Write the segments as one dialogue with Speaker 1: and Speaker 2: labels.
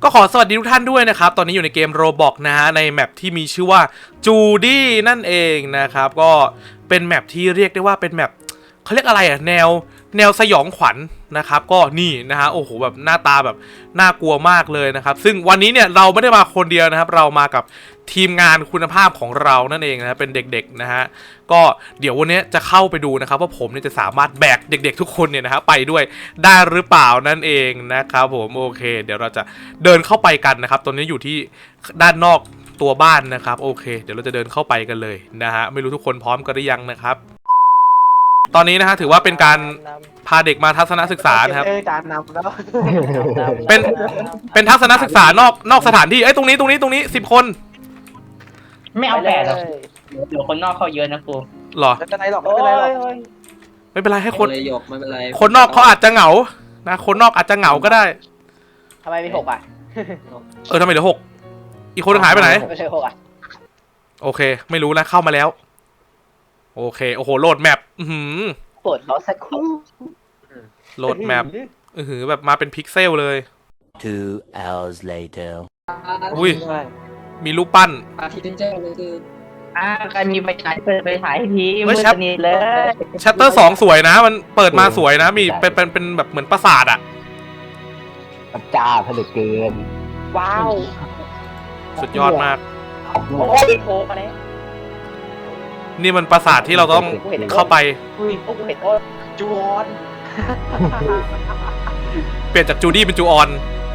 Speaker 1: ก็ขอสวัสดีทุกท่านด้วยนะครับตอนนี้อยู่ในเกม Roblox นะฮะในแมปที่มีชื่อว่าจูดี้นั่นเองนะครับก็เป็นแมปที่เรียกได้ว่าเป็นแมปเขาเรียกอะไรอะแนวสยองขวัญนะครับก็นี่นะฮะโอ้โหแบบหน้าตาแบบน่ากลัวมากเลยนะครับซึ่งวันนี้เนี่ยเราไม่ได้มาคนเดียวนะครับเรามากับทีมงานคุณภาพของเรานั่นเองนะเป็นเด็กๆนะฮะก็เดี๋ยววันนี้จะเข้าไปดูนะครับว่าผมเนี่ยจะสามารถแบกเด็กๆทุกคนเนี่ยนะฮะไปด้วยได้หรือเปล่านั่นเองนะครับผมโอเคเดี๋ยวเราจะเดินเข้าไปกันนะครับตอนนี้อยู่ที่ด้านนอกตัวบ้านนะครับโอเคเดี๋ยวเราจะเดินเข้าไปกันเลยนะฮะไม่รู้ทุกคนพร้อมกันหรือยังนะครับตอนนี้นะฮะถือว่าเป็นการพาเด็กมาทัศนศึกษานะครับ
Speaker 2: จานนำแล้ว
Speaker 1: เป็นทัศนศึกษานอกสถานที่เอ้ยตรงนี้10 คน
Speaker 3: ไม่เอา8หรอกเดี๋ยวคนนอกเข้าเยอะนะครู
Speaker 1: หรอ
Speaker 2: ไม่เป็นไรหรอกไม่เป็นไรหรอก
Speaker 1: ไม่เป็นไรให้คน
Speaker 4: ไม่เป็นไร
Speaker 1: คนนอกเขาอาจจะเหงานะคนนอกอาจจะเหงาก็ได้
Speaker 2: ทำไมมี6อ่ะ
Speaker 1: ทำไมเหลือ6อีกคนหายไปไหน
Speaker 2: ไม่ใช่6อ่ะ
Speaker 1: โอเคไม่รู้นะเข้ามาแล้วโอเคโอ้โหโหลดแมป
Speaker 2: ปวดล้อสักครู่
Speaker 1: โหลดแมปแบบมาเป็นพิกเซลเลย
Speaker 5: 2 hours later
Speaker 1: อุ้ยมีรูปปั้น
Speaker 4: อาทิตย์แจ้งเลยคือ
Speaker 3: ใครมีไฟฉายเปิดไฟฉายทีมืดสนิทเลย
Speaker 1: ชัตเตอร์2สวยนะมันเปิดมาสวยนะมีเป็นแบบเหมือนปราสาทอ่ะ
Speaker 5: จ้าผลึกเกิน
Speaker 2: ว้าว
Speaker 1: สุดยอดมาก
Speaker 2: โอ้ยโผล่มาเลย
Speaker 1: นี่มันปราสาทที่เราต้องเข้าไป
Speaker 2: อุ้ยโอ้กูเห็นโอ้จูออน
Speaker 1: เปลี่ยนจากจูดี้เป็นจูออน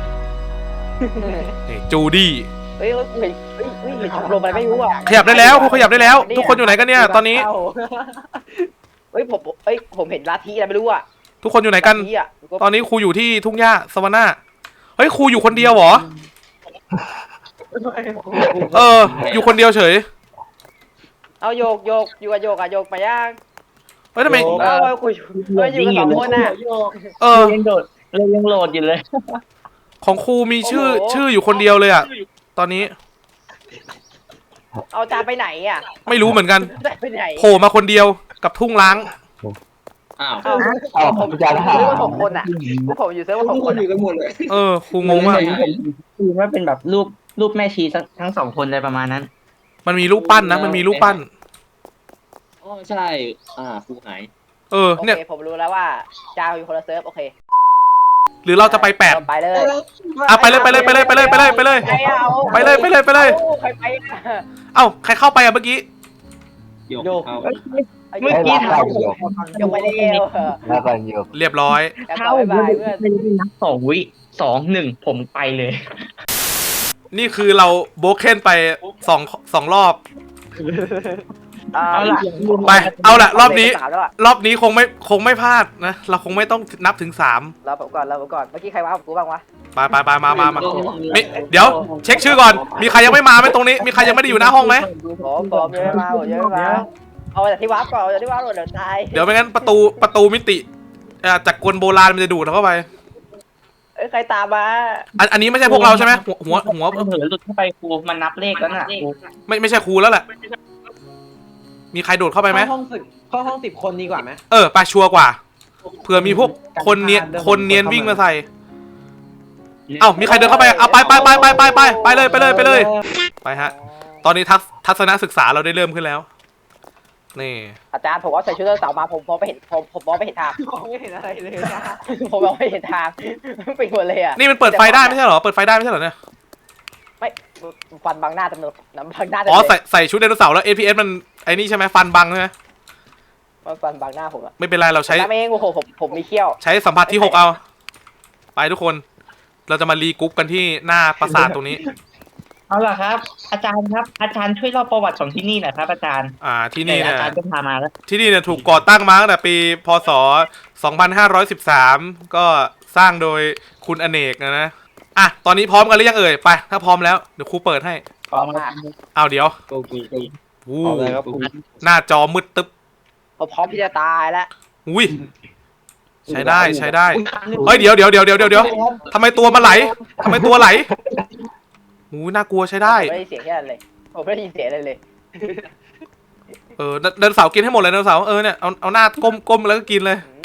Speaker 1: นี่จูดี้
Speaker 2: เฮ้ยเห็นเห็นลงไปไม่รู้อ่ะ
Speaker 1: ขยับได้แล้วขยับได้แล้วทุกคนอยู่ไหนกันเนี่ยตอนนี้
Speaker 2: เฮ้ยผมเห็นลัทธิอะไรไม่รู้อ่ะ
Speaker 1: ทุกคนอยู่ไหนกันตอนนี้ครูอยู่ที่ทุ่งหญ้าสวาน่าเฮ้ยครูอยู่คนเดียวเหรออยู่คนเดียวเฉย
Speaker 2: เอาโยกอยู่กับโยกโยกไปย่าง
Speaker 1: เฮ้ยทำไม
Speaker 2: คุยอยู่กับ2 คนน่ะ
Speaker 3: ยังโหลดอยู่เลย
Speaker 1: ของครูมีชื่ออยู่คนเดียวเลยอ่ะตอนนี้
Speaker 2: เอาจานไปไหนอ่ะ
Speaker 1: ไม่รู้เหมือนกันโผล่มาคนเดียวกับทุ่งล้าง
Speaker 2: ผมจะเซิร์ฟว่า6 คนอ่ะผมอยู่เซิร์ฟว่า6 คน
Speaker 4: อยู่กันหมดเลย
Speaker 1: ครูงงมาก
Speaker 3: คือว่าเป็นแบบรูปแม่ชีทั้ง2 คนเลยประมาณนั้น
Speaker 1: มันมีรูปปั้นนะมันมีรูปปั้น
Speaker 4: ใช่ครูหาย
Speaker 1: เนี่ย
Speaker 2: ผมรู้แล้วว่าจาอยู่คนละเซิร์ฟโอเค
Speaker 1: หรือเราจะไป8
Speaker 2: ไปเลย
Speaker 1: ไปเลยไปเลยไปเลยไปเลยไปเลยไปเลยไปเลยไปเลยไปเลยเอ้าใครเข้าไปอ่ะเมื่อกี้
Speaker 3: โยกเมื่อกี้เท้า
Speaker 2: โยกไปเร็ว
Speaker 5: แล้วกันโยก
Speaker 1: เรียบร้อย
Speaker 3: เท้าไม่ได้นับ2 วิ 2 1ผมไปเลย
Speaker 1: นี่คือเราโบเคนไป2 รอบไปเอาละรอบนี้คงไม่พลาดนะเราคงไม่ต้องนับถึง3
Speaker 2: เราผมก่อนเมื่อกี้ใครว้ากูบ้างวะ
Speaker 1: ไปมาเดี๋ยวเช็คชื่อก่อนมีใครยังไม่มาไหมตรงนี้มีใครยังไม่ได้อยู่หน้าห้องไหม
Speaker 2: ผมยังไม่มาเอาจากที่ว้าก่อนเดี๋ยวตาย
Speaker 1: เดี๋ยวไม่งั้นประตูมิติจากกลโบราณมันจะดูดเราเข้าไป
Speaker 2: ใครตามมา
Speaker 1: อันนี้ไม่ใช่พวกเราใช่ไหมหัว
Speaker 3: เผลอหลุดเข้าไปครูมันนับเลขแล้วน่ะ
Speaker 1: ไม่ใช่ครูแล้วแหละมีใครโดดเข้าไปไหม
Speaker 2: เข้าห้อง10 คนดีกว่าไหม
Speaker 1: ไปชัวร์กว่าเผื่อมีพวกคนเนียนวิ่งมาใส่เอ้ามีใครเดินเข้าไปเอาไปเลยไปฮะตอนนี้ทัศนศึกษาเราได้เริ่มขึ้นแล้วนี่
Speaker 2: อาจารย์ผมว่าใส่ชุดเสาร์มาผมมองไม่เห็นผมมองไม่เห็นทางมองไม่เห็นอะไรเลยผมมองไม่เห็นทางไปหมดเลยอ่ะ
Speaker 1: นี่มันเปิดไฟได้ไม่ใช่เหรอเปิดไฟได้ไม่ใช่เหรอเนี่ย
Speaker 2: ไม่ฟันบังหน้าจำนวนบังหน้า
Speaker 1: ใส่ชุดไดโนเสาร์แล้ว APS มันไอ้นี่ใช่ไหมฟันบังใช่ไหม
Speaker 2: ฟันบังหน้าผมอะ
Speaker 1: ไม่เป็นไรเราใช้
Speaker 2: เองโอ้โหผมมีเขี้ยว
Speaker 1: ใช้สัมผัสที่6เอาไปทุกคนเราจะมารีกรุ๊ปกันที่หน้าปราสาทตรงนี้
Speaker 3: เอาล่ะครับอาจารย์ครับอาจารย์ช่วยเล่าประวัติของที่นี่หน่อยครับอาจารย์
Speaker 1: ที่นี่เนี่ย
Speaker 3: อาจารย์จะพามาแล้ว
Speaker 1: ที่นี่เนี่ยถูกก่อตั้งมาตั้งแต่ปีพ.ศ. 2513ก็สร้างโดยคุณอเนกนะตอนนี้พร้อมกันหรือยังเอ่ยไปถ้าพร้อมแล้วเดี๋ยวครูเปิดให้
Speaker 3: พร้อมมาก
Speaker 1: เอาเดี๋ยวหน้าจอมืดตึ๊บ
Speaker 2: พร้อมที่จะตายแล้ว
Speaker 1: อุ้ยใช้ได้เฮ้ยเดี๋ยวทำไมตัวมันไหลน่ากลัวใช้ได้
Speaker 2: ไม่ได้เสียงแค่นั้นเลยผมไม่ได้ยินเสียงเลย
Speaker 1: เดินเสากินให้หมดเลยเดินเสาเนี่ยเอาหน้าก้มแล้วก็กินเลย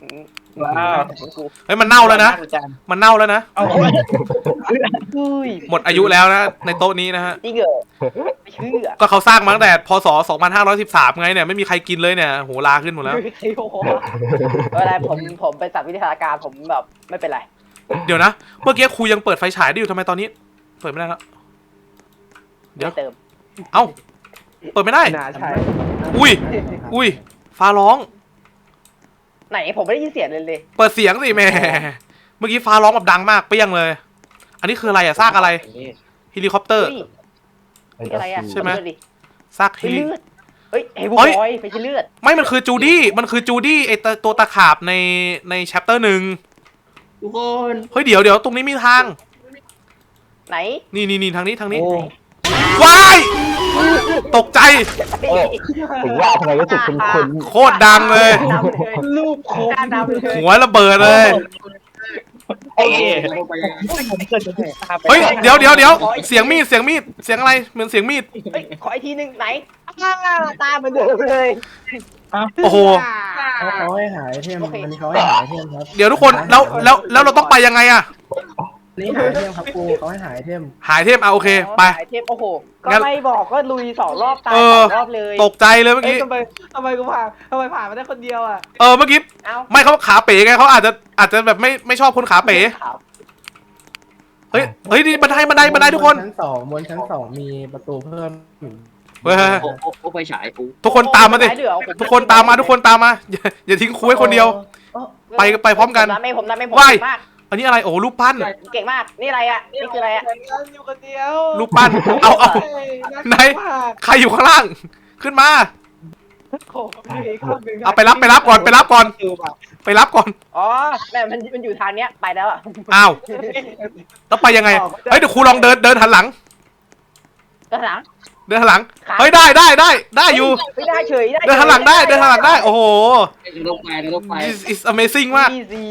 Speaker 3: ว้าว
Speaker 1: เฮ้ยมันเน่าแล้วนะ
Speaker 3: อาจารย์
Speaker 1: มันเน่าแล้วนะ
Speaker 3: เอา
Speaker 2: อุ้ย
Speaker 1: หมดอายุแล้วนะในโต๊ะนี้นะฮะ
Speaker 2: จริงเหรอไม่เชื่อ
Speaker 1: ก็เขาสร้างมาตั้งแต่พศ 2513 ไงเนี่ยไม่มีใครกินเลยเนี่ยโหลาขึ้นหมดแล้ว
Speaker 2: ไม่ใช่โอ้โหเวลาผมไปสัตว์วิทยาการผมแบบไม่เป็นไร
Speaker 1: เดี๋ยวนะ เมื่อกี้ครูยังเปิดไฟฉายได้อยู่ทำไมตอนนี้ เปิดไม่ได้แล้ว เดี๋ยว
Speaker 2: ไม่เติม
Speaker 1: เอ้า เปิดไม่ได้
Speaker 2: น่าใช่
Speaker 1: อุ้ย อุ้ย ฟ้าร้อง
Speaker 2: ไหนผมไม่ได้ยินเสียงเลย
Speaker 1: เปิดเสียงสิแม่ เมื่อกี้ฟ้าร้องแบบดังมากเปรี้ยงเลย อันนี้คืออะไรอะซากอะไร เฮลิคอปเตอร์
Speaker 2: นี่อะไรอ่ะ
Speaker 1: ใช่ไหม
Speaker 2: เลือดดิ
Speaker 1: ซากเฮ
Speaker 2: เป็น
Speaker 1: ลิ
Speaker 2: เลือดเฮ้ยเฮ้ยบุ
Speaker 1: เฮ้ย
Speaker 2: บอยไม่ใช่เลือด
Speaker 1: ไม่มันคือจูดี้ มันคือจูดี้ไอตัวตะขาบในแชปเตอร์หนึ่ง
Speaker 4: ทุกคน
Speaker 1: เฮ้ยเดี๋ยวตรงนี้มีทาง
Speaker 2: ไหน
Speaker 1: นี่ทางนี้
Speaker 3: โอ้
Speaker 1: ว้าย ตกใจ
Speaker 5: เออถึงว่าทำไมรู้สึกคุ้น
Speaker 1: โคตรดังเลย
Speaker 2: รูปโคตรดำเลย
Speaker 1: หัวระเบิดเลย
Speaker 3: เอ้ย
Speaker 4: เข้าไป
Speaker 3: ผมเกิดจะถูกตาไป
Speaker 1: เฮ้ยเดี๋ยวเสียงมีดเสียงอะไรเหมือนเสียงมีด
Speaker 2: เฮ้ยขออีกทีหนึงไหนตาเหมือนเดิมเลย
Speaker 1: โอ้โห
Speaker 6: เขาให้หายเทม
Speaker 2: โอเค
Speaker 6: อันนี้เขาให้หายเทมครับ
Speaker 1: เดี๋ยวทุกคนแล้วเราต้องไปยังไงอะ
Speaker 6: อันนี้หายเทมครับครูเขาให้หายเทม
Speaker 1: หายเทพเอาโอเคไป
Speaker 2: เทปโอ้โห ก็
Speaker 1: งั้น
Speaker 2: ไม่บอกก็ลุย2 รอบตาย
Speaker 1: เออ
Speaker 2: 2 รอบเลย
Speaker 1: ตกใจเลยเมื่อกี้
Speaker 2: ทำไมกูผ่านมาได้คนเดียวอ่ะ
Speaker 1: เมื่อกี้
Speaker 2: เอ้า
Speaker 1: ไม่เขาขาเป๋ไงเขาอาจจะแบบไม่ชอบคนขาเป๋
Speaker 2: ครับ
Speaker 1: เฮ้ยนี่บันไดทุกคน
Speaker 6: บนชั้นสองมีประตูเพิ่ม
Speaker 1: เฮ้ย
Speaker 4: โอ้ไปฉายกู
Speaker 1: ทุกคนตามมาสิ
Speaker 2: เดี๋ยวผม
Speaker 1: ทุกคนตามมาอย่าทิ้งครูไว้คนเดียว ไปพร้อมกัน
Speaker 2: ผมทำไม่ผม
Speaker 1: ว่าย
Speaker 2: เก่งมาก
Speaker 1: อันนี้อะไรโอ้รูปปั้น
Speaker 2: เก่งมากนี่อะไรอ่ะนี่คืออะไรอ่ะ
Speaker 7: อยู่คนเดียว
Speaker 1: รูปปั้นเอาไหนใครอยู่ข้างล่าง ขึ้นมา
Speaker 7: โอ้โหมีข้อหนึ่ง
Speaker 1: เอาไปรับก่อนไปรับก่อน
Speaker 2: อ๋อแม่มันอยู่ทางเนี้ยไปแล้วอ่ะ
Speaker 1: อ้าวแล้วไปยังไงเฮ้ยเดี๋ยวครูลองเดินหันหลัง
Speaker 2: ด้านหลัง
Speaker 1: เดินหันหลังเฮ้ยได้อยู่
Speaker 2: ไม่ได้เฉย
Speaker 1: เดินหันหลังได้โอ้โห
Speaker 4: ลงไป
Speaker 1: is amazing มาก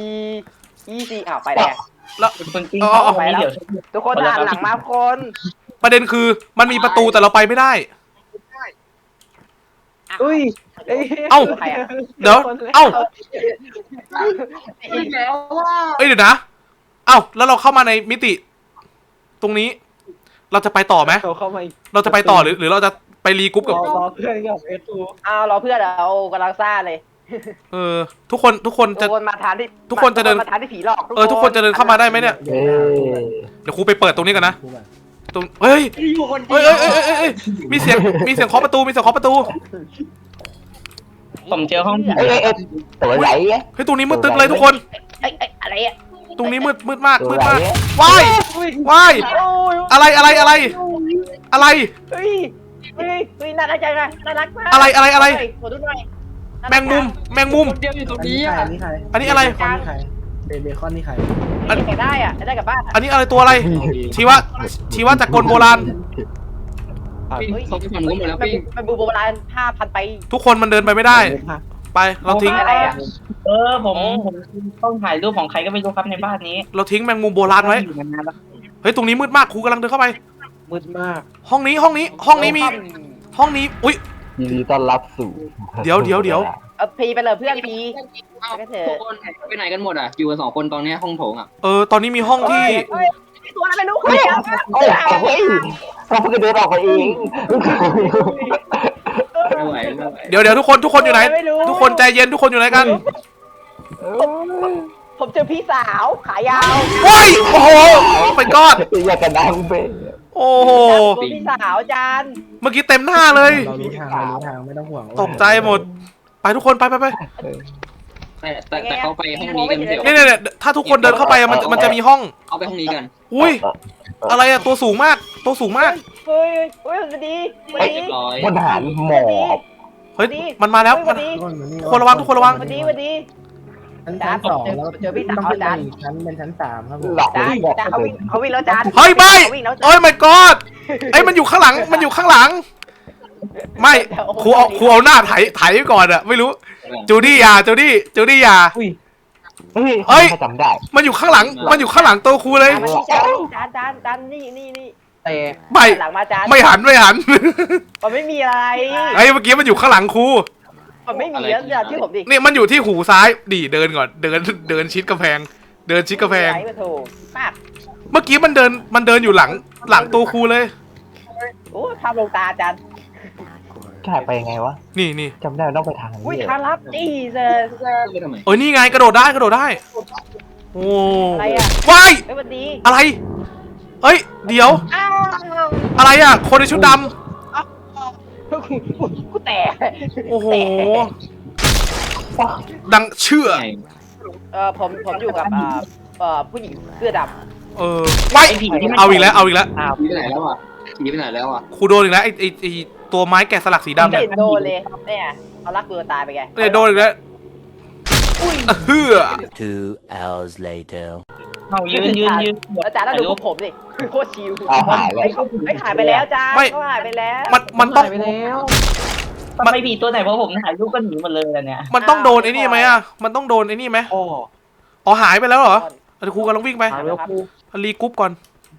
Speaker 2: easy อ้าวไปแล้ว
Speaker 3: คนจริง
Speaker 1: อ๋อ
Speaker 3: เขาไม่เดี๋ยว
Speaker 2: ทุกคนหันหลังมาคน
Speaker 1: ประเด็นคือมันมีประตูแต่เราไปไม่ได้
Speaker 7: อุ้ย
Speaker 1: เอ้า
Speaker 2: ใครอ่ะ
Speaker 1: เดี๋ยวเอ้า
Speaker 7: อีกแล้วว่า
Speaker 1: เอ้ยเดี๋ยวนะเอ้าแล้วเราเข้ามาในมิติ ตรงนี้ เราจะไปต่อไหม
Speaker 7: เขาเข้ามาอีก
Speaker 1: เราจะไปต่อหรือเราจะไปรีกรุ๊ปกับ
Speaker 7: รอเพื่อนกับเอทู
Speaker 2: อ้าวรอเพื่อนเรากำลังซ่าเลย
Speaker 1: ทุกคนจะ
Speaker 2: ทุกคนมาทานที่
Speaker 1: ทุกคนจะเดิน
Speaker 2: มาทานที่ผีหลอก
Speaker 1: ทุกคนจะเดินเข้ามาได้ไหมเนี่ย
Speaker 5: ๆเอ้ย
Speaker 1: เดี๋ยวครูไปเปิดตรงนี้กันนะ
Speaker 6: ครูแบบ
Speaker 1: ตรงเฮ้ย
Speaker 4: อยู่คนเดี
Speaker 1: เฮ้ย
Speaker 4: ยว
Speaker 1: เอ้ยมีเสียงเคาะประตู
Speaker 3: ผมเจอห้องผี
Speaker 5: เอ้ยตัวไหลไง
Speaker 1: เฮ้ยตรงนี้มืดตึ๊บเลยทุกคน
Speaker 2: เอ้ยอะไรอ่ะ
Speaker 1: ตรงนี้มืดมาก
Speaker 5: ตัวไหล
Speaker 1: ว้ายว้าย
Speaker 2: โอ้ย
Speaker 1: อะไร
Speaker 2: เฮ้ยน่ารักจังนะน่ารักมาก
Speaker 1: อะไร
Speaker 2: ขอดูหน่อย
Speaker 1: แมงมุม
Speaker 4: คนเดียวอยู่ตรง
Speaker 6: อัน
Speaker 4: นี้
Speaker 6: นี้ใคร
Speaker 4: อ่ะ
Speaker 6: อันนี้ใคร
Speaker 1: อันนี้อะไร
Speaker 6: เบคอนนี่ใครเบคอนนี่ใคร
Speaker 2: อันนี้ได้อ่ะได้กลับบ้าน
Speaker 1: อันนี้อะไรตัวอะไร ชีวะจากกลโบราณ
Speaker 4: ปิ้งเขาไปฝั่งนู้นหมดแล้วปิ้ง
Speaker 2: มันบูโบราณ5,000 ไป
Speaker 1: ทุกคนมันเดินไปไม่ได้ ไปเราทิ้ง
Speaker 2: อะไรอ่ะ
Speaker 3: ผมต้องถ่ายรูปของใครก็ไม่รู้ครับในบ้านนี้
Speaker 1: เราทิ้งแมงมุมโบราณไว้
Speaker 3: อยู่มานานแล้ว
Speaker 1: เฮ้ยตรงนี้มืดมากครูกำลังเดินเข้าไป
Speaker 7: มืดมาก
Speaker 1: ห้องนี้มีห้องนี้อุ้ย
Speaker 5: ยินดีต้อนรับสู่
Speaker 1: เดี๋ยว
Speaker 2: เอาพีไปเลยเพื่อนพี ก็เถอะ
Speaker 4: ทุกคนไปไหนกันหมดอ่ะอยู่กัน2 คนตอนนี้ห้องโถงอ่ะ
Speaker 1: ตอนนี้มีห้องที่
Speaker 2: เฮ้ยตัวอะไรไม่รู้
Speaker 5: เฮ้ยเราเพิ่งเดินออกไปเอง
Speaker 4: ไม่ไหว
Speaker 1: เดี๋ยวทุกคนอยู่ไหน ทุกคนใจเย็นทุกคนอยู่ไหนกัน
Speaker 2: ผมเจอพี่สาวขายาว
Speaker 1: โอ้ยโอ้โหไปกอด
Speaker 5: อยากกันดังไป
Speaker 1: โอ้โห
Speaker 2: ตัวพี่สาวจาน
Speaker 1: เมื่อกี้เต็มหน้าเลย
Speaker 6: เรารู้ทางไม่ต้องห่วง
Speaker 1: ตกใจหมด ไปทุกคนไป
Speaker 4: แต่เขาไปห้องนี้กันไม่ใช่เหรอ
Speaker 1: เนี่ยถ้าทุกคนเดินเข้าไปมันจะมีห้อง
Speaker 4: เอาไปห้องนี้กัน
Speaker 1: อุ้ยอะไรอะตัวสูงมาก
Speaker 2: เฮ้ยสวัสดีสวัส
Speaker 4: เรี
Speaker 2: ดี
Speaker 4: ยบร้อย
Speaker 5: พลทหารหมอบ
Speaker 1: เฮ้ยมันมาแล้ว
Speaker 2: สวัสดี
Speaker 1: ทุกคนระวัง
Speaker 2: สวัสดี
Speaker 6: ชั้นสองแล้ว
Speaker 2: เจอพี่สาว
Speaker 6: ต้องขึ้น
Speaker 2: จาน
Speaker 6: อีกชั้นเป็นชั้น3ครับผม
Speaker 5: หลับ
Speaker 2: จาน
Speaker 5: ไม่บอก
Speaker 2: จานเขาวิ่งแล้วจาน
Speaker 1: เฮ้ยไม่
Speaker 2: เขาวิ่งแล้วจาน
Speaker 1: โอ้ย my god ไอ้ยมันอยู่ข้างหลังไม่ครูเอาหน้าไถไว้ก่อนอะไม่รู้จูดี้อย่า
Speaker 5: เฮ้ย
Speaker 1: เฮ้ย
Speaker 5: จำได้
Speaker 1: มันอยู่ข้างหลังตัวครูเลย
Speaker 2: จานนี่
Speaker 6: แต่
Speaker 1: ไม่
Speaker 2: หลังมาจาน
Speaker 1: ไม่หัน
Speaker 2: มันไม่มีอะไร
Speaker 1: ไอ้เมื่อกี้มันอยู่ข้างหลังครู
Speaker 2: มันไม่มีแล้วอย่าที่ผมดิ
Speaker 1: นี่มันอยู่ที่หูซ้ายดิเดินก่อนเดินชิดกำแพงเดินชิดกำแพง
Speaker 2: ไอ้มาถูกมาก
Speaker 1: เมื่อกี้มันเดินอยู่หลังตัวครูเลย
Speaker 2: โอ้ทำลงตาอาจารย์
Speaker 5: ถ่ายไปยังไงวะ
Speaker 1: นี่
Speaker 5: จำได้ว่าต้องไปทาง
Speaker 2: อุ้ย
Speaker 5: นี้
Speaker 2: ทางลับจี้เซอร์
Speaker 4: ไปทำไม
Speaker 1: เอ้ยนี่ไงกระโดดได้โอ้
Speaker 2: อะไรอ่ะ
Speaker 1: ว้าย
Speaker 2: ไอ้วันดี
Speaker 1: อะไรเอ้ยเดี๋ยว
Speaker 2: อ้าว
Speaker 1: อะไรอ่ะคนในชุดด
Speaker 2: กูแตก
Speaker 1: ำโอ้โหดังเชื่อ
Speaker 4: ไง
Speaker 2: ผมอยู่กับผู้หญิงเสื้อด
Speaker 1: ว้าย
Speaker 3: ไอ้ผีที่มัน
Speaker 1: เอาอีกแล้ว
Speaker 4: หนีไปไหนแล้วอ่ะหนีไปไหนแล้วอ่ะ
Speaker 1: ครูโดนอีกแล้วไอตัวไม้แกะสลักสี
Speaker 2: ำ
Speaker 1: ดำเนี่ย
Speaker 2: เห็นโดนเลยเนี่ยเอารักตัวตายไปไง
Speaker 1: โดนอีกแล้วเฮือ
Speaker 8: 2 hours later.
Speaker 3: เอายืน
Speaker 2: อาจารย์ต้องดูพวกผมดิโคตรชิว
Speaker 5: เอาหายเลย
Speaker 2: ไม่หายไปแล้วจ้าเขาหายไปแล้ว
Speaker 1: มันต้อง
Speaker 7: ไปแล้ว
Speaker 3: ทำไมผีตัวไหนเพราะผมถ่ายรูปก็หนีหมดเลยอะเนี่ย
Speaker 1: มันต้องโดนไอ้นี่ไหมอ่ะมันต้องโดนไอ้นี่ไหม
Speaker 7: โอ้
Speaker 1: อ๋อหายไปแล้วเหรอครูกำลังวิ่งไป
Speaker 7: หายไปแล้วครู
Speaker 1: รีกรุ๊ปก่อน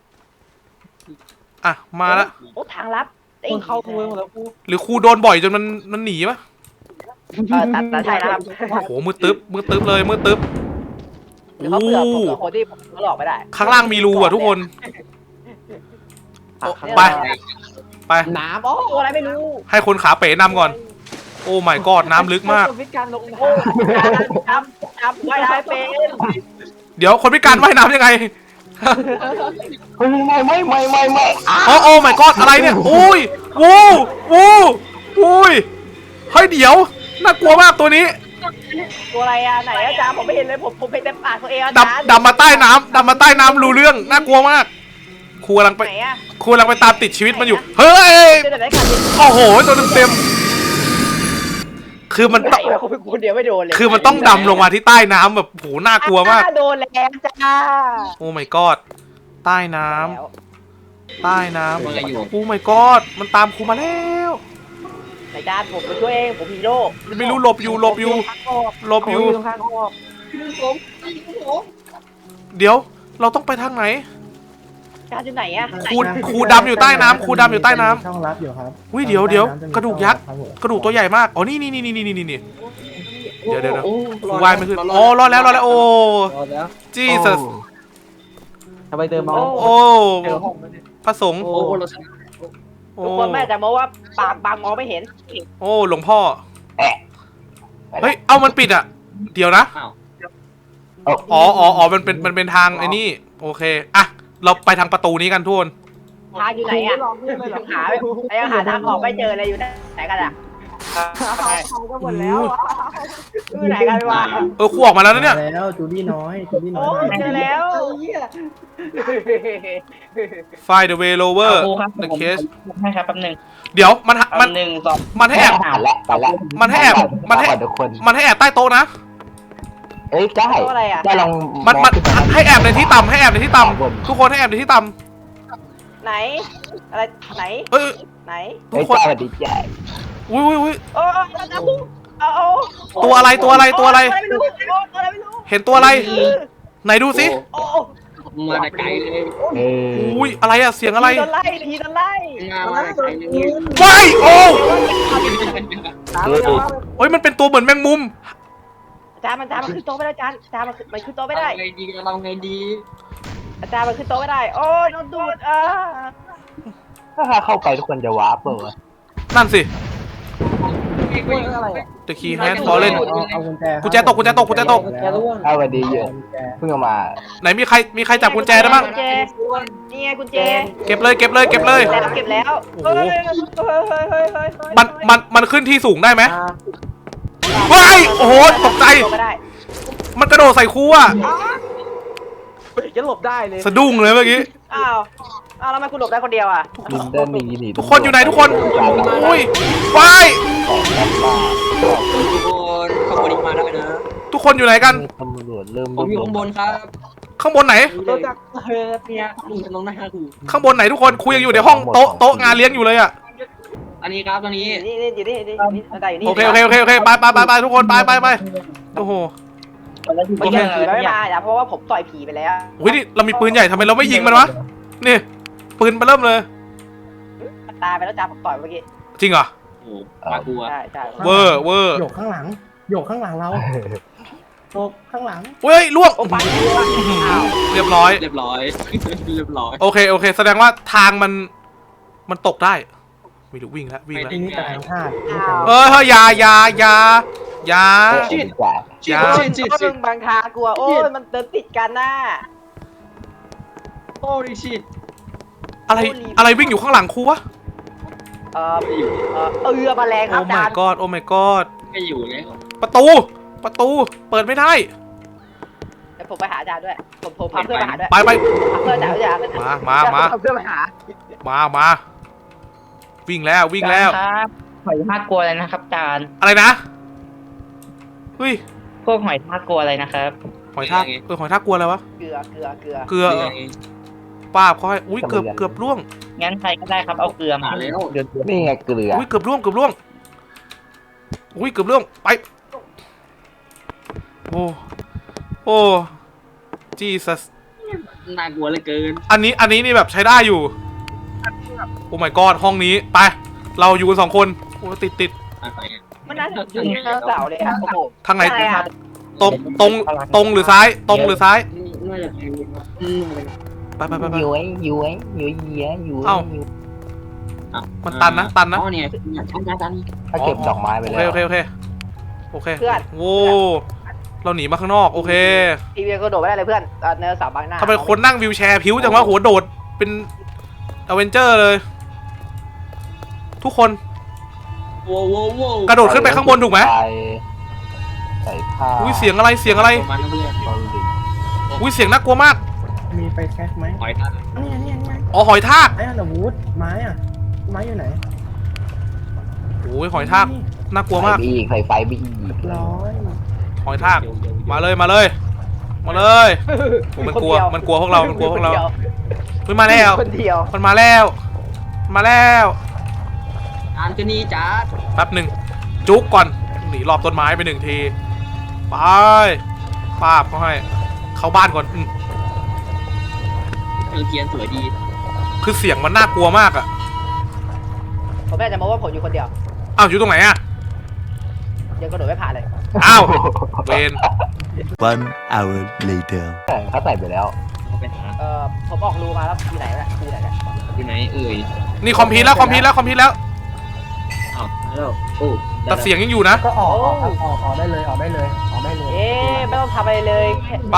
Speaker 1: อ่ะมาละ
Speaker 2: โอ้ทางลับ
Speaker 7: คนเข้าเมืองหมดแล้วครู
Speaker 1: หรือครูโดนบ่อยจนมันหนีปะ
Speaker 2: ตัดใช่นะครับ
Speaker 1: โอ้โหมืดตึ๊บเลยมืดตึ๊บ
Speaker 2: หรือเขาเบื่อผมกับคนที่ผมหลอกไม่ได้
Speaker 1: ข้างล่างมีรูอ่ะทุกคนโอ้ไป
Speaker 7: น้ำโอ้
Speaker 2: ตัวอะไรไม่รู้
Speaker 1: ให้คนขาเป๋นำก่อน โอ้ my god น้ำลึกมาก
Speaker 7: วิธีการลง
Speaker 2: โอ้จำไว้ได้เป็น
Speaker 1: เดี๋ยวคนพิการว่ายน้ำยังไง
Speaker 5: เฮ้ยไม่
Speaker 1: โอ้ my god อะไรเนี่ยอุ้ยวูอุ้ยเฮ้ยเดี๋ยวน่ากลัวมากตัวนี้
Speaker 2: ตัวอะไรอ่ะไหนอาจารย์ผมไม่เห็นเลยผมเห็นแต่ปากตัวเองอาจารย์
Speaker 1: ดำมาใต้น้ำรู้เรื่องน่ากลัวมากครูกำลังไป
Speaker 2: ไหนอ่ะ
Speaker 1: ครูกำลังไปตามติดชีวิตมันอยู่เฮ้ย
Speaker 2: เจอแต่ไหนกัน
Speaker 1: โอ้โหตัวเต็มๆคือมัน
Speaker 2: ไหน
Speaker 1: ต้อง
Speaker 2: วะคนเดียวไม่โดนเลย
Speaker 1: คือมันต้องดำลงมาที่ใต้น้ำแบบโหน่ากลัวมาก
Speaker 2: โดนแล้วจ้า
Speaker 1: โอ้ my god ใต้น้ำ
Speaker 4: ว่าไงอยู่
Speaker 1: โอ้ my god มันตามครูมาแล้ว
Speaker 2: ไหนจานผมไปช่วยเองผมฮีโร่
Speaker 1: ไม่รู้หลบอยู่
Speaker 7: ข้างออก
Speaker 1: เดี๋ยวเราต้องไปทางไหน
Speaker 2: จานอยู่ไหนอ่ะ
Speaker 1: ครูดำอยู่ใต้น้ำ
Speaker 6: ช่องลับอยู่ครับ
Speaker 1: อุ้ยเดี๋ยวกระดูกยักษ์กระดูกตัวใหญ่มากอ๋อนี่เดี๋ยวครูว่ายไม่ขึ้นอ๋อรอดแล้วโอ้
Speaker 7: รอแล้ว
Speaker 1: Jesus
Speaker 7: ทำไมเดินมา
Speaker 1: โอ้
Speaker 7: เจอห้องแล้วเนี่ย
Speaker 1: พระสงฆ์
Speaker 4: โอ้เราชนะ
Speaker 1: โอ้
Speaker 2: ทุกคนแม่จะมองว่าปากบางมองไม่เห็น
Speaker 1: โอ้หลวงพ่อเฮ้ยเอามันปิดอ่ะเดี๋ยวนะ
Speaker 4: อ้าว
Speaker 1: อ๋อมันเป็นทางไอ้นี่โอเคอ่ะเราไปทางประตูนี้กันทุกคน
Speaker 2: ทางอยู่ไหนอ่ะยังหาทางออกไม่เจอเลยอยู่ไหนกันอ่ะ
Speaker 7: ก็หมดแล้ว
Speaker 2: อยู่ไหนกันวะ
Speaker 1: ครูออกมาแล้วนะเนี่ย
Speaker 6: แล้วจูดี้น้อย
Speaker 2: โอ้เจอแล้ว
Speaker 1: Find the way lower
Speaker 3: ครูครับ
Speaker 1: the
Speaker 3: ผม
Speaker 1: case
Speaker 3: ให้ครับแป๊บนึง
Speaker 1: เดี๋ยวมัน
Speaker 3: แป๊บนึงสอง
Speaker 1: มันให้แอบ
Speaker 5: ผ่านแล้วไปแล้ว
Speaker 1: มันให้แอบมันให้
Speaker 5: ทุกคน
Speaker 1: มันให้แอบใต้โต๊ะนะ
Speaker 5: เอ้ยได้
Speaker 2: ตัวอะไรอ่ะ
Speaker 5: ได้ลอง
Speaker 1: มัน
Speaker 5: ขึ้ไป
Speaker 1: ให้แอบในที่ต่ำให้แอบในที่ต่ำทุกคนให้แอบในที่ต่
Speaker 2: ไหนอะไรไหน
Speaker 1: ำเอ้ย
Speaker 2: ไหน
Speaker 1: ทุ
Speaker 5: เอ้
Speaker 1: ก
Speaker 5: ย
Speaker 1: คน
Speaker 5: จ้าสวัสดีจ้า
Speaker 1: อุ้ย
Speaker 2: โอ้น้ำพุเอา
Speaker 1: ตัวอะไร
Speaker 2: ตัวอะไรไม่รู้ตัวอะไรไม่รู้
Speaker 1: เห็นตัวอะไร ไหนดูสิ
Speaker 2: โอ้
Speaker 4: มาแต่ไกลเลย
Speaker 5: เออ
Speaker 1: อุ้ยอะไรอะเสียงอะไร
Speaker 2: ทีโดนไล่ทีโดนไล่
Speaker 4: มาแต่ไกลเลย
Speaker 1: ว้ายโอ้
Speaker 5: เออ
Speaker 1: โอ้ยมันเป็นตัวเหมือนแมงมุม
Speaker 2: อาจารย์มันขึ้นโต๊ะไม่ได้อาจารย์มันขึ้นโต๊ะไม่ได้
Speaker 4: ไงดีเราไงดี
Speaker 2: อาจารย์มันขึ้นโต๊ะไม่ได้โอ้ยโดนดูด
Speaker 5: ถ้าเข้าไปทุกคนจะวาร์ปเปล่าวะ
Speaker 1: นั่นสิ
Speaker 7: อะไรอ่ะ
Speaker 1: The key hand fallen
Speaker 6: เอากุญแจ
Speaker 1: กุญแจตก
Speaker 7: แกร่วง
Speaker 5: เอาสวัสดีเยอะเพิ่งเอามา
Speaker 1: ไหนมีใครจับกุญแจได้บ้าง
Speaker 2: กุญแจนี่ไงกุญแจ
Speaker 1: เก็บเลย
Speaker 2: เก็บแล้ว
Speaker 1: โอ้โห
Speaker 2: เฮ้ย
Speaker 1: มันขึ้นที่สูงได้ไหมว้ายโอ้โหตกใจ
Speaker 2: ไม่ได้
Speaker 1: มันกระโดดใส่ครูอะ
Speaker 7: จะหลบได้เลย
Speaker 1: สะดุ้งเลยเมื่อกี้
Speaker 2: อ้าวแล้วทำไมคุณหลบได้คนเดียวอ่ะ
Speaker 5: ลินเดินหนีหนี
Speaker 1: ทุกคนอยู่ไหนทุกคนอุ้ยว้าย
Speaker 4: ทุกคนขบวนนี้มาได้นะ
Speaker 1: ทุกคนอยู่ไหนกัน
Speaker 5: ตำรวจเริ่ม
Speaker 4: ผมอยู่ข้างบนครับ
Speaker 1: ข้างบนไหน
Speaker 7: ตัวจากเนี่ย
Speaker 4: ลุงกำลังหน้าครู
Speaker 1: ข้างบนไหนทุกคนคุยยังอยู่ในห้องโต๊ะงานเลี้ยงอยู่เลยอะ
Speaker 4: อันนี้ครับตอนนี้
Speaker 2: นี่อยู่นี่อาจารย์อยู่นี่
Speaker 1: โอเคไปทุกคนไปโอ้โห
Speaker 2: ไม่ใช่ผีไม่มาเพราะว่าผมต่อยผีไปแล้ว
Speaker 1: อุ้ยนี่เรามีปืนใหญ่ทำไมเราไม่ยิงมันวะนี่ปืนมาเริ่มเลย
Speaker 2: ตายไปแล้วจ้าผมต่อยเมื่อกี้
Speaker 1: จริงเหรอ
Speaker 4: โอ้ปลากลัว
Speaker 2: ใช่ใช่
Speaker 1: เวอร์เวอร์
Speaker 6: โยกข้างหลังโยกข้างหลังเราโยกข้างหลัง
Speaker 1: เฮ้ยล่วง
Speaker 2: โอ้ไป
Speaker 1: เรียบร้อย
Speaker 4: เรียบร้อย เรียบร้อย
Speaker 1: โอเคโอเค แสดงว่าทางมันตกได้ไม่รู้วิ่งแล้ววิ่งแล้ว
Speaker 6: ทีนี้แต่ทางพลาด
Speaker 1: เฮ้ยอยาอยาอยาอยา
Speaker 5: จ่าย
Speaker 1: ยา
Speaker 2: มึงบางทางกลัวโอ้ยมันเดินติดกันน่ะ
Speaker 4: โอ้ดิชิต
Speaker 1: อะไรวิ่งอยู่ข้างหลังครูวะ
Speaker 4: ไม่อยู่
Speaker 2: เรือมาแรงค
Speaker 1: โอ้
Speaker 2: รับอา
Speaker 1: my
Speaker 2: จารย์
Speaker 1: god โอ้ my god
Speaker 4: ไม่อยู่แล้ว
Speaker 1: ประตูเปิดไม่ได้
Speaker 2: เดี๋ยวผมไปหาอาจารย์ด้วยผมพาเพื่อนมาหาด้วย
Speaker 1: ไป
Speaker 2: พาเพื่อนอาจารย์
Speaker 1: มา
Speaker 2: พาเพื่อนมาหา
Speaker 1: มาวิ่งแล้ววิ่งแล้ว
Speaker 3: ครับหอยทากกลัวอะไรนะครับอาจารย์
Speaker 1: อะไรนะเฮ้ย
Speaker 3: พวกหอยทากกลัวอะไรนะครับ
Speaker 1: หอยทากหอยทากกลัวอะไรวะ
Speaker 2: เกลือ
Speaker 1: เกลือ
Speaker 4: เรือไง
Speaker 1: ป้าบเขาให้อุ้ยเกือบล่วง
Speaker 3: งั้นใครก็ได้ครับเอาเกลือมา
Speaker 4: หาแล้ว
Speaker 3: เดือด
Speaker 5: นี่ไงเกลือ
Speaker 1: อุ้ยเกือบล่วงอุ้ยเกือบล่วงไปโอ้จีซัส
Speaker 4: น่ากลัวเหลือเกิน
Speaker 1: อันนี้นี่แบบใช้ได้อยู่โอ้ my god ห้องนี้ไปเราอยู่กัน2 คนโอ้ติด
Speaker 4: อะไร
Speaker 2: มันน่าจะอยู่ข้างเสาเลยครับโอ้โห
Speaker 1: ทางไหน
Speaker 2: ใช่ครับ
Speaker 1: ตรงหรือซ้ายตรงหรือซ้าย
Speaker 4: น่าจะเป็น
Speaker 1: ไป
Speaker 5: ย้วยเยี้ย
Speaker 1: เอ้า มันตันนะ
Speaker 4: อ๋อเนี่ยตัน
Speaker 5: ถ้าเก็บดอกไม้ไป
Speaker 1: โอ
Speaker 5: แล้
Speaker 1: เคว โอเค
Speaker 2: เพื่อน
Speaker 1: โว้เราหนีมาข้างนอกโอเค
Speaker 2: ทีวีก็โดดไม่ได้เลยเพื่อนเนินเสาบางหน้า
Speaker 1: ทำไมคนนั่งวิวแชร์ผิวจังวะหัวโดดเป็นอเวนเจอร์เลย ทุกคน
Speaker 4: โว้โว้โว้
Speaker 1: กระโดดขึ้นไปข้างบนถูกไหม
Speaker 5: ใส่ผ้า
Speaker 1: อุ้ยเสียงอะไร
Speaker 4: มันเรียก
Speaker 1: อุ้ยเสียงน่ากลัวมาก
Speaker 6: มีไฟแช็กไหม
Speaker 4: หอยทาก
Speaker 6: เนี่ย
Speaker 1: อ๋อหอยทาก
Speaker 6: ไอ้อันดาวูดไม้อะไม้อยู่ไหน
Speaker 1: โอ้ยหอยทากน่ากลัวมาก
Speaker 5: ใส่ไฟบีอีก
Speaker 6: ร้อย
Speaker 1: หอยทากมาเลยโอ้มันกลัวพวกเราเฮ้ยมาแล้ว
Speaker 2: คนเดียว
Speaker 1: มันมาแล้ว
Speaker 4: อ่านกันนี่จ้า
Speaker 1: แป๊บหนึ่งจุกก่อนหนีรอบต้นไม้ไป1 ทีไปป้าบเขาให้เข้าบ้านก่อน
Speaker 4: เทียนสวยดี
Speaker 1: คือเสียงมันน่ากลัวมากอะ
Speaker 2: ผมแม่จะมาว่าผมอยู่คนเดียว
Speaker 1: อ้าวอยู่ตรงไหนอะ
Speaker 2: ยังกระโดดไม่ผ่านเลย
Speaker 1: อ้าวเวน
Speaker 8: 1 hour later.
Speaker 5: เขาใส่ไปแล้ว
Speaker 4: เขาไปหา
Speaker 2: ผมออกรูมาแล้วอยู่ไหนล่ะอยู่ไหนเนี่ย
Speaker 4: อยู่ไหนเอ่ย
Speaker 1: นี่คอมพิวต์แล้ว
Speaker 4: อ้าวแล้วโอ้
Speaker 1: แต่เสียงยังอยู่นะ
Speaker 6: ก็ออกได้เลยออกได้เลย
Speaker 2: เอ๊ะไม่ต้องทำอะไรเลย
Speaker 1: ไป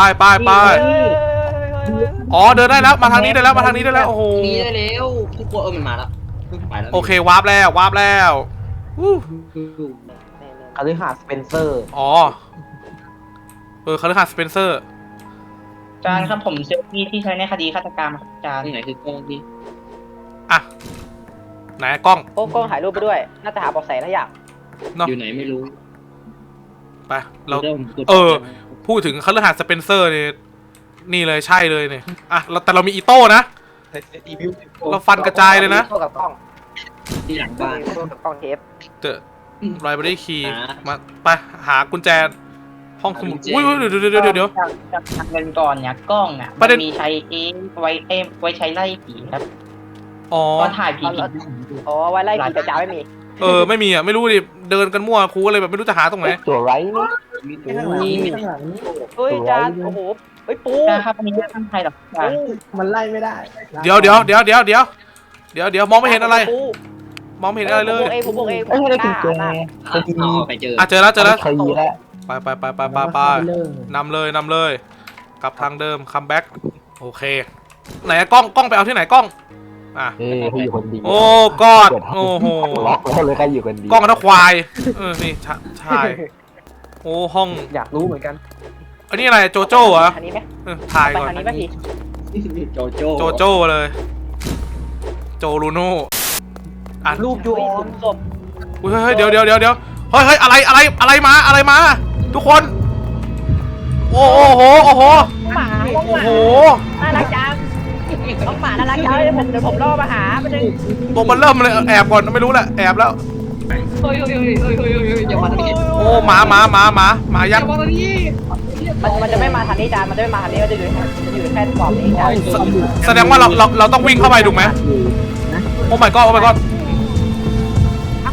Speaker 1: อ๋อเดินได้แล้วมาทางนี้ได้แล้วโอ้โห
Speaker 4: หนีได้แล้วทุกคนมันมาแล้วเพิ่งไปแล้ว
Speaker 1: โอเควาร์ปแล้ววู้
Speaker 7: คฤหาสน์สเปนเซอร์
Speaker 1: อ๋อคาร์ลสเปนเซอร์
Speaker 3: อาจารย์ครับผมเซลฟี่ที่ใช้ในคดีฆาตกรรมครับอาจารย์
Speaker 4: ที่ไหนคือกล้องที่
Speaker 1: อ่ะไหนกล้อง
Speaker 2: โอ้กล้องถ่ายรูปไปด้วย น่าจะหาเบาะแสทุกอย่าง
Speaker 1: เนาะ
Speaker 4: อยู่ไหนไม่รู้
Speaker 1: ไปเราพูดถึงคาร์ลสเปนเซอร์นี่เลยใช่เลยเนี่ยอ่ะแต่เรามีอีโต้นะ เราฟันกระจายเลยนะ
Speaker 2: โต้กับกล้อง
Speaker 4: ที่หลังบ้าน
Speaker 2: โต้กับกล้องเทป
Speaker 1: เจอไลบรารีคีย์
Speaker 4: หา
Speaker 1: มาไปหากุญแจห้องสมุด
Speaker 4: หากุญแจ
Speaker 1: อุ้ยเดี๋ยว
Speaker 3: จากทางเดินก่อนเนี่ยกล้องอ่ะ
Speaker 1: ประเด็น
Speaker 3: มันมีใช้ไว้ใช้ไล่ผีครับ
Speaker 1: อ๋อ
Speaker 3: ก็ถ่ายผี
Speaker 2: อ๋อไว้ไล่ผีกระจายไม่มี
Speaker 1: ไม่มีอ่ะไม่รู้ดิเดินกันมั่วครูก็เลยแบบไม่รู้จะหาตรงไหน
Speaker 5: ตัวไรนี่
Speaker 6: ข้างหลังนี่ข้างหลังนี่
Speaker 2: เฮ้ยจานโอ้โหเฮ้ยปู
Speaker 3: นะครับอันนี้ไม่ตั้งใจหรอกอาจารย์
Speaker 6: มันไล่ไม่ได้
Speaker 1: เดี๋ยวมองไม่เห็นอะไร มองไม่เห็นอะไรเลย
Speaker 2: ผมบอกเอง
Speaker 5: เอ้ยได้กุญแจ
Speaker 4: เอาไปเจอ
Speaker 1: อ่ะเจอแล้ว
Speaker 5: เคยแล้ว
Speaker 1: ไปนำเลยกลับทางเดิมคัมแบ็กโอเคไหนกล้องไปเอาที่ไหนกล้องอ่ะ
Speaker 5: เขาอยู่คนดี
Speaker 1: โอ้กอดโอ้โห
Speaker 5: ล็อกแล้วเลยใครอยู่คนดี
Speaker 1: กล้องนะควายนี่ใช่โอ้ห้อง
Speaker 7: อยากรู้เหมือนกัน
Speaker 1: อันนี้อะไรโจโจ้เหรอ
Speaker 2: อันนี้ไหม
Speaker 1: ถ่าย
Speaker 2: ไป
Speaker 1: ก่อน
Speaker 2: ทางนี้ไหมพี่
Speaker 4: โจโจ้
Speaker 1: โจโจ้เลยโจลูโน่อ่ะ
Speaker 7: รูปยูออน
Speaker 2: ศพ
Speaker 1: เฮ้ยเดี๋ยวเฮ้ยอะไรมาทุกคนโอ้โห
Speaker 2: หมาน่ารักจังน้องหมาน่ารักจังเดี๋ยวผมล่อมาหาไปเลย
Speaker 1: ตัวมันเริ่มเลยแอบก่อนไม่รู้แหละแอบแล้ว
Speaker 4: เฮ้ยอย่ามาทางนี้
Speaker 1: โอ้หมายักษ์
Speaker 2: มันจะไม่มาทางนี้จานมันจะไม่มาทางนี้มันจะอยู่แค่กรอบนี้จาน
Speaker 1: แสดงว่าเราต้องวิ่งเข้าไปถูกไหมโอ้ my god ไฟ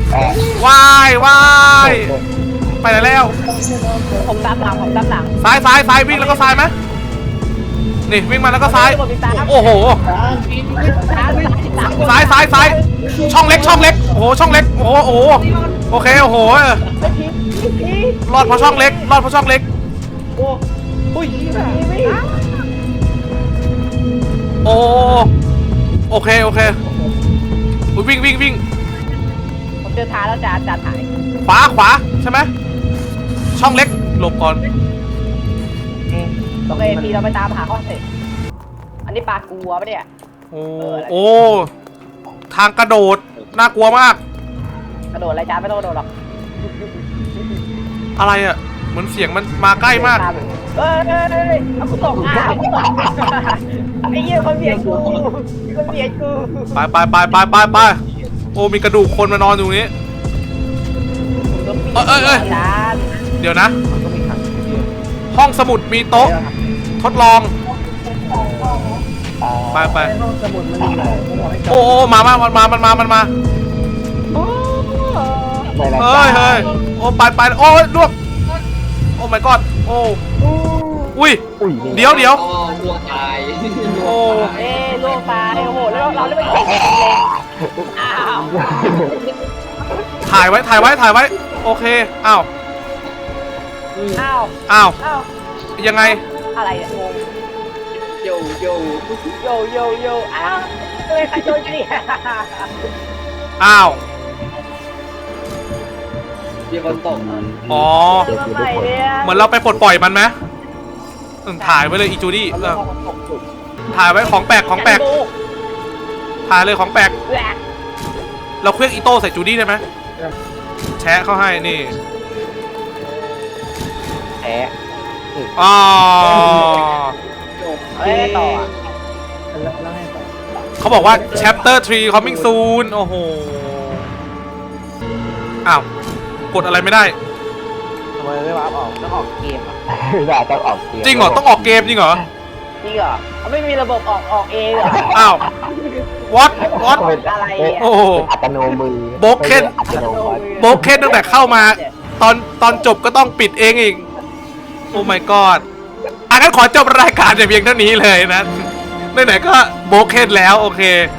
Speaker 1: วายวายไปไหนแล้ว
Speaker 2: ผมตามหลัง
Speaker 1: ซ้ายวิ่งแล้วก็ซ้ายไหมนี่วิ่งมาแล้วก็ซ้าย โอ้โหซ้ายช่องเล็กโอ้โหช่องเล็กโอ้โหโอเคโอ้โหรอดเพราะช่องเล็กโอ้โอเควิ่ง
Speaker 2: ผมเจอทางแล้วจานถ่าย
Speaker 1: ขวาใช่ไหมช่องเล็กหลบก่อน
Speaker 2: โอเคพี่เราไปตามหาข้อเสร็จอันนี้ปลากลัวปะเนี่ย
Speaker 1: โอ้ทางกระโดดน่ากลัวมาก
Speaker 2: กระโดดอะไรจานไม่ต้องกระโดดหรอก
Speaker 1: อะไรอ่ะเหมือนเสียงมันมาใกล้มาก
Speaker 2: เอ้ยเอากูตกไอ้เหี้ยคนเบียดกู
Speaker 1: ไปโอ้มีกระดูกคนมานอนอยู่นี้เอ้ยเดี๋ยวนะ ห้องสมุดมีโต๊ะทดลองไป
Speaker 6: สมุดมันอยู่ไหน
Speaker 1: โอ้มันมาเฮ้ยโอ้ไปโอ้ยลวกโอ้ my god โอ้อุ้ยเดี๋ยว
Speaker 4: อ๋อบัวตาย
Speaker 1: โอ้
Speaker 2: ลูกตายโอ้โหแล้วเราได้ไปยิงอ้าว
Speaker 1: ถ่ายไว้โอเคอ้าว ยังไง
Speaker 2: อะไรเนี่ยงง
Speaker 4: โย
Speaker 2: โยอ้าวใครโดนนี่
Speaker 1: อ้าว
Speaker 4: มีคนตก
Speaker 1: อ๋อ เหมือนเราไปปลดปล่อยมันไหมถ่ายไว้เลยอีจูดี้ถ่ายไว้ของแปลกถ่ายเลยของแปลกเราเคลื่อนอีโต้ใส่จูดี้ได้ไหมแชะเข้าให้นี่
Speaker 7: แพ้
Speaker 1: อ๋อ
Speaker 2: ต่อ
Speaker 6: แล้วให้ต่อ
Speaker 1: เขาบอกว่า chapter 3 coming soon โอ้โหอ้าวกดอะไรไม่ได้
Speaker 7: ทำไมไม่วาร์ปออกต้องออกเกมอ่ะ
Speaker 5: น่าต้องออกเกม
Speaker 1: จริงเหรอต้องออกเกมจริงเหรอ
Speaker 2: จริงเหรอไม่มีระบบออกเองเหรอ
Speaker 1: อ้าว what
Speaker 2: อะไรเนี่ย
Speaker 1: โอ้โห
Speaker 5: อัตโนมือ
Speaker 1: โบรกเคน
Speaker 5: อัตโนมัติ
Speaker 1: โบรกเคนตั้งแต่เข้ามาตอนจบก็ต้องปิดเองอีกโอ้ my god งั้นขอจบรายการแต่เพียงเท่านี้เลยนะไหนๆก็โบรกเคนแล้วโอเค